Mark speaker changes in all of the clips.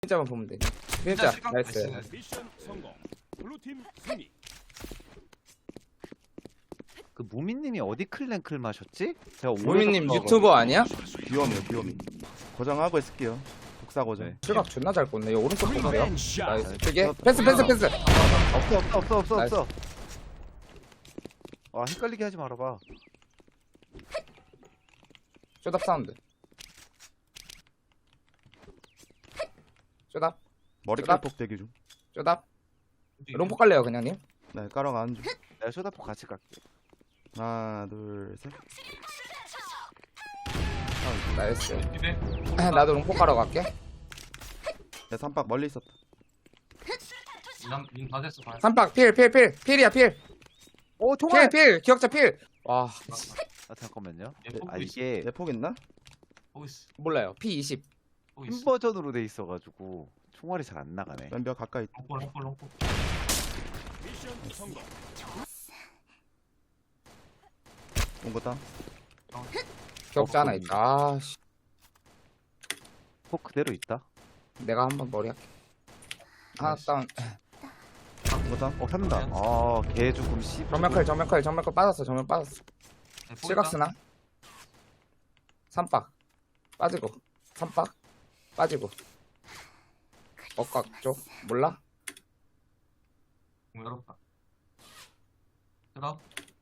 Speaker 1: 진짜만 보면 돼. 진짜 나이스.
Speaker 2: 미션 성공. 블루팀 승리.
Speaker 3: 그 무민님이 어디 클랭클 마셨지? 제가
Speaker 1: 무민님
Speaker 3: 오래전부터
Speaker 1: 유튜버 아니야?
Speaker 4: 귀염이요 귀염이. 고정하고 있을게요. 독사 고정.
Speaker 3: 네.
Speaker 1: 실각 존나 잘 꽂네. 이거 오른쪽 보세요.
Speaker 2: 샷.
Speaker 1: 나이스. 되게 패스.
Speaker 3: 없어. 아 헷갈리게 하지 말아봐.
Speaker 1: 쇼답 사운드. 쇼답.
Speaker 4: 머리
Speaker 1: 나-
Speaker 4: 깔폭 대기 중.
Speaker 1: 쇼답. 롱포 깔래요 그냥님.
Speaker 4: 네 까랑 안 중.
Speaker 3: 내가 쇼다포 같이 갈게.
Speaker 4: 하나 둘 셋.
Speaker 1: 나이스. 나도 롱포 깔러 갈게.
Speaker 4: 내 삼박 멀리 있었다.
Speaker 5: 다 됐어. 다.
Speaker 1: 삼박 필이야 필.
Speaker 3: 오 총알.
Speaker 1: 필 기억자 필. 와
Speaker 3: 아 잠깐만요.
Speaker 5: 얘
Speaker 3: 아
Speaker 5: 보고 있어.
Speaker 3: 이게
Speaker 4: 내 폭 있나?
Speaker 5: 보고 있어.
Speaker 1: 몰라요. P20.
Speaker 5: 보고
Speaker 3: 흰
Speaker 5: 있어.
Speaker 3: 버전으로 돼 있어가지고 총알이 잘 안 나가네.
Speaker 4: 왼벽 가까이.
Speaker 5: 롱포.
Speaker 2: 미션 성공.
Speaker 4: 온 거다.
Speaker 1: 기억자 하나 있다. 아씨.
Speaker 3: 포 그대로 있다.
Speaker 1: 내가 한번 머리 할게. 하나 다운.
Speaker 4: 온 거다.
Speaker 3: 잡는다. 아개 조금 씨.
Speaker 1: 정면칼 빠졌어. 실각스나. 삼박 빠지고. 삼박 빠지고. 억각 쪽 몰라?
Speaker 5: 열었다. 들어.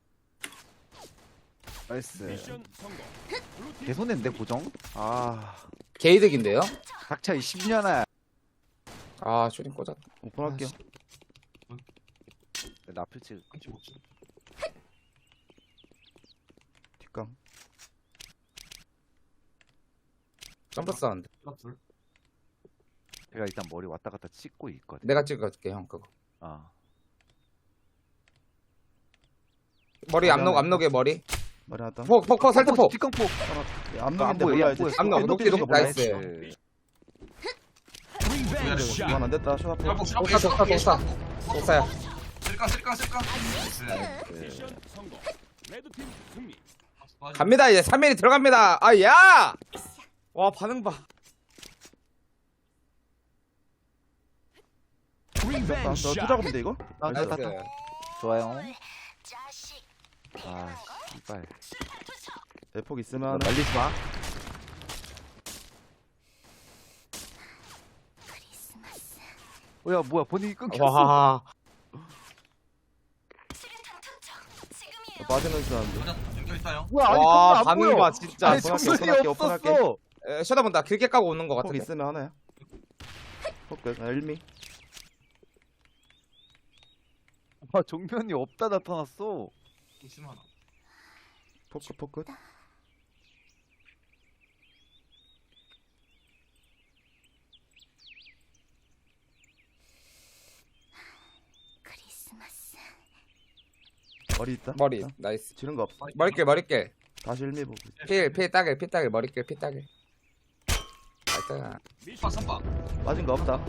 Speaker 3: 나이스.
Speaker 2: 미션 성공. 블루팀
Speaker 3: 개 손해인데 고정? 아
Speaker 1: 게이득인데요?
Speaker 3: 닥쳐 이 10년아.
Speaker 1: 아 슈팅 꽂았다.
Speaker 4: 오픈할게요.
Speaker 3: 나필 찍.
Speaker 5: 한치 먹지.
Speaker 4: 뒷강.
Speaker 1: 점프 사운드.
Speaker 5: 둘.
Speaker 3: 제가 일단 머리 왔다 갔다 찍고 있거든.
Speaker 1: 내가 찍어줄게 형 그거.
Speaker 3: 아
Speaker 1: 머리 앞록에 머리.
Speaker 4: 머리 하나.
Speaker 1: 폭 살트폭.
Speaker 3: 뒷광포.
Speaker 4: 앞쪽인데
Speaker 3: 보여,
Speaker 4: 몰라야지.
Speaker 3: 보여.
Speaker 1: 앞록 녹지 나이스.
Speaker 3: 나이스.
Speaker 2: 리벤지 샷.
Speaker 4: 이건 안 됐다. 쇼 앞에.
Speaker 1: 독사야.
Speaker 5: 쓸까.
Speaker 2: 미션 성공. 레드팀 승리.
Speaker 1: 갑니다 이제 3일이 들어갑니다. 아 야! 와 반응 봐.
Speaker 4: 됐다. 너
Speaker 2: 리벤지 샷.
Speaker 4: 투작업인데 이거?
Speaker 3: 나이스.
Speaker 1: 나이스.
Speaker 3: 좋아요. 아 씨발.
Speaker 4: 내 폭 있으면
Speaker 3: 말리지 마. 뭐야 번역이 끊겼어.
Speaker 1: 와.
Speaker 4: 빠지는 줄 알았는데.
Speaker 5: 여자 연결 있다 형.
Speaker 3: 뭐야 아니
Speaker 1: 와
Speaker 3: 안
Speaker 1: 반응
Speaker 3: 보여.
Speaker 1: 봐 진짜.
Speaker 3: 아니
Speaker 4: 오픈할게,
Speaker 3: 정신이
Speaker 4: 오픈할게.
Speaker 3: 없었어.
Speaker 1: 쳐다본다. 길게 까고 오는 거
Speaker 4: 폭
Speaker 1: 같은데.
Speaker 4: 있으면 하나야. 폭 끝. 1미.
Speaker 3: 아 정면이 없다 나타났어.
Speaker 5: 있으면 하나.
Speaker 4: 폭 끝. 머리 있다.
Speaker 1: 머리 나이스.
Speaker 4: 지른 거 없어.
Speaker 1: 머리길.
Speaker 4: 다시 1미 보고.
Speaker 1: 필 따길 머리길 필 따길. 나이스.
Speaker 2: 미션
Speaker 5: 선박.
Speaker 4: 빠진 거 없다.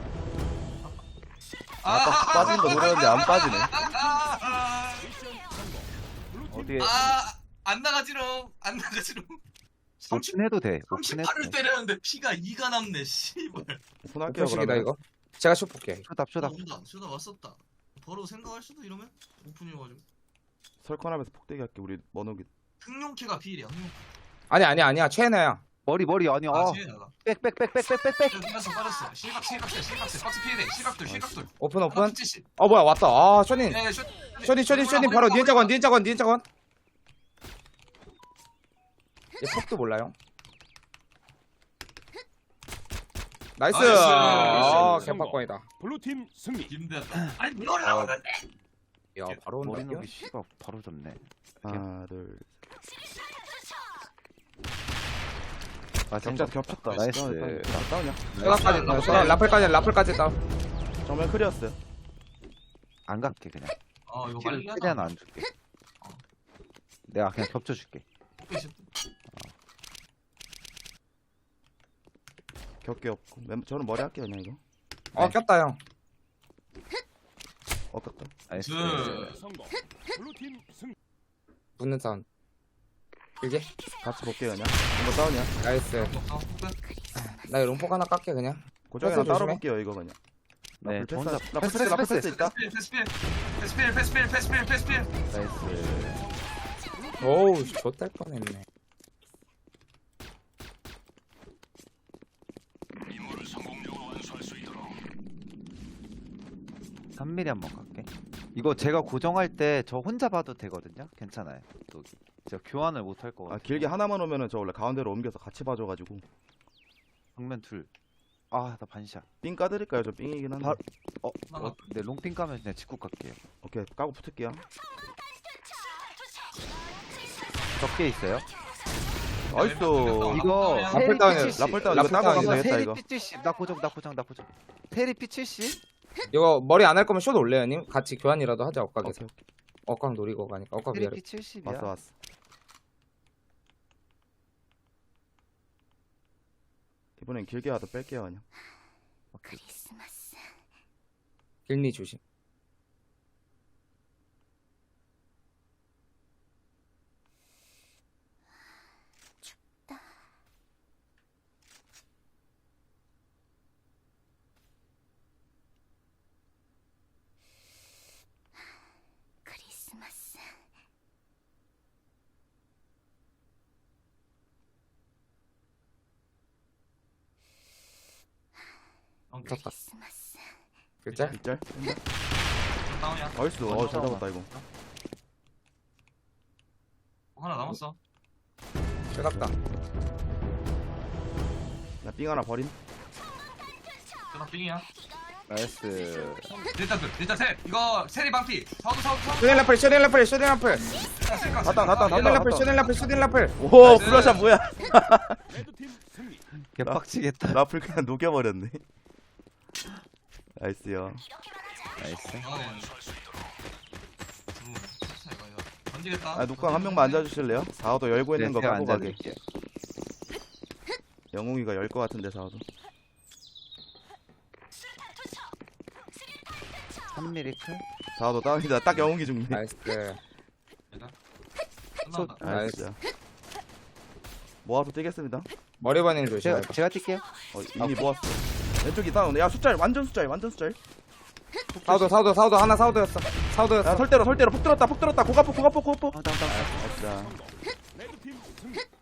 Speaker 5: 아,
Speaker 4: 빠진 거 노렸는데 안 빠지네.
Speaker 2: 미션 성공. 블루팀
Speaker 3: 어디에
Speaker 5: 안 나가지롱.
Speaker 3: 오픈해도 돼. 오픈해도
Speaker 5: 38을
Speaker 3: 돼.
Speaker 5: 때렸는데 피가 2가 남네. 씨발.
Speaker 4: 오픈할게요
Speaker 1: 오픈식이다
Speaker 4: 그러면.
Speaker 1: 이거. 제가 슛 볼게.
Speaker 3: 쇼답.
Speaker 5: 수다 왔었다. 바로 생각할 수도 이러면 오픈이어가지고.
Speaker 4: 설컨하면서 폭대기 할게. 우리 머노기.
Speaker 5: 흥룡캐가 비일이야. 흥룡캐.
Speaker 1: 아니야 최애나야.
Speaker 3: 머리 아니
Speaker 5: 지혜나가.
Speaker 3: 빽빽빽빽빽빽.
Speaker 5: 빠졌어. 실각세. 박스 피해대. 실각돌.
Speaker 1: 오픈.
Speaker 5: 하나 70.
Speaker 1: 뭐야 왔다. 아 쇼님.
Speaker 5: 예,
Speaker 1: 쇼님 바로 니은자건. 얘 폭도 몰라요. 나이스.
Speaker 5: 나이스.
Speaker 1: 아
Speaker 2: 성공.
Speaker 1: 개팍권이다.
Speaker 2: 블루팀 승리.
Speaker 5: 힘들었다. 아니 뭘 나오는데?
Speaker 1: 야 바로
Speaker 3: 머리
Speaker 1: 온다.
Speaker 3: 녹이 씨가 바로 졌네.
Speaker 4: 하나 둘.
Speaker 3: 아
Speaker 4: 격자 겹쳤다.
Speaker 3: 나이스.
Speaker 4: 다운이야.
Speaker 1: 쇼답까지 다운. 라플까지 다운.
Speaker 4: 정면 클리었어요.
Speaker 3: 안 갈게 그냥.
Speaker 5: 이거
Speaker 3: 킬을
Speaker 5: 빨리
Speaker 3: 최대한 안 줄게. 내가 그냥 겹쳐줄게.
Speaker 4: 겹게 없고. 저는 머리 할게요 그냥 이거.
Speaker 1: 꼈다 형.
Speaker 4: 꼈다.
Speaker 3: 나이스.
Speaker 2: 성공. 블루팀 승리.
Speaker 1: 붙는 사운드. 길게.
Speaker 4: 같이 볼게요 그냥. 이거 다운이야.
Speaker 1: 나이스. 나 롱폭 하나 깎게 그냥.
Speaker 4: 고정이랑 따로
Speaker 1: 조심해.
Speaker 4: 볼게요 이거 그냥.
Speaker 3: 네, 저 혼자
Speaker 4: 나 패스 나 패스 있다.
Speaker 5: 패스필.
Speaker 3: 나이스.
Speaker 1: 오우 좆될 뻔했네.
Speaker 3: 3mm 한번 갈게. 이거 제가 고정할 때 저 혼자 봐도 되거든요. 괜찮아요. 또 제가 교환을 못 할
Speaker 4: 아
Speaker 3: 거같아.
Speaker 4: 길게 하나만 오면은 저 원래 가운데로 옮겨서 같이 봐줘가지고.
Speaker 3: 정면 둘. 아, 나 반샷.
Speaker 4: 삥 까드릴까요? 저 삥이긴 한데.
Speaker 3: 네, 롱핑 까면 그냥 직구 갈게요.
Speaker 4: 오케이 까고 붙을게요.
Speaker 3: 적게 있어요.
Speaker 4: 나이스.
Speaker 3: 이거
Speaker 1: 라플 다운이야.
Speaker 4: 라플 다운
Speaker 1: 라플
Speaker 4: 이거 따고
Speaker 1: 다운이다.
Speaker 4: 가면 되겠다
Speaker 3: 테리
Speaker 4: 이거.
Speaker 3: P70. 나 고정. 테리 P70.
Speaker 1: 이거 머리 안 할 거면 숏 올래요 님? 같이 교환이라도 하자 엇각에서.
Speaker 4: 오케이,
Speaker 1: 엇각 노리고 가니까 엇각
Speaker 3: 테리
Speaker 1: 위아래.
Speaker 3: P70이야.
Speaker 4: 왔어. 이번엔 길게 와도 뺄게요 그냥.
Speaker 1: 길니 조심. 쳤다. 글자?
Speaker 4: 일절.
Speaker 5: 다운이야.
Speaker 4: 나이스. 잘 잡았다 이거.
Speaker 5: 하나 남았어.
Speaker 1: 뜨겁다.
Speaker 4: 나 삥 하나 버림.
Speaker 5: 나 빙이야.
Speaker 3: 나이스.
Speaker 5: 일단 셋. 이거 세리 방피. 사우드.
Speaker 1: 쇼딘 라플 쇼딘 라플 쇼딘 라플
Speaker 4: 갔다.
Speaker 1: 쇼딘 라플 쇼딘 라플 쇼딘 라플.
Speaker 4: 오
Speaker 5: 나이스.
Speaker 4: 블러샷 뭐야?
Speaker 2: 레드팀 승리.
Speaker 3: 개빡치겠다.
Speaker 4: 라플 그냥 녹여버렸네. 나이스요.
Speaker 3: 나이스.
Speaker 5: 던지겠다.
Speaker 4: 아 녹광 한 명만 앉아주실래요? 4호도 열고 있는 거
Speaker 3: 제가
Speaker 4: 갖고 가게.
Speaker 3: 앉아드릴게요.
Speaker 4: 영웅이가 열 거 같은데 4호도.
Speaker 3: 3mm 클.
Speaker 4: 4호도 다운이다. 딱 영웅이 죽네.
Speaker 1: 나이스.
Speaker 5: 끝난다.
Speaker 4: 나이스. 모아서 뛰겠습니다.
Speaker 1: 머리 반응 조심.
Speaker 3: 제가 뛸게요.
Speaker 4: 이미 모았어. 왼쪽이 다운. 야 숫자일 완전 숫자일.
Speaker 1: 사우도 하나 사우도였어.
Speaker 4: 야
Speaker 1: 사우도였어.
Speaker 4: 설대로 폭 들었다. 고가폭.
Speaker 3: 아, 나.
Speaker 4: 나이스.
Speaker 2: 레드팀 승리.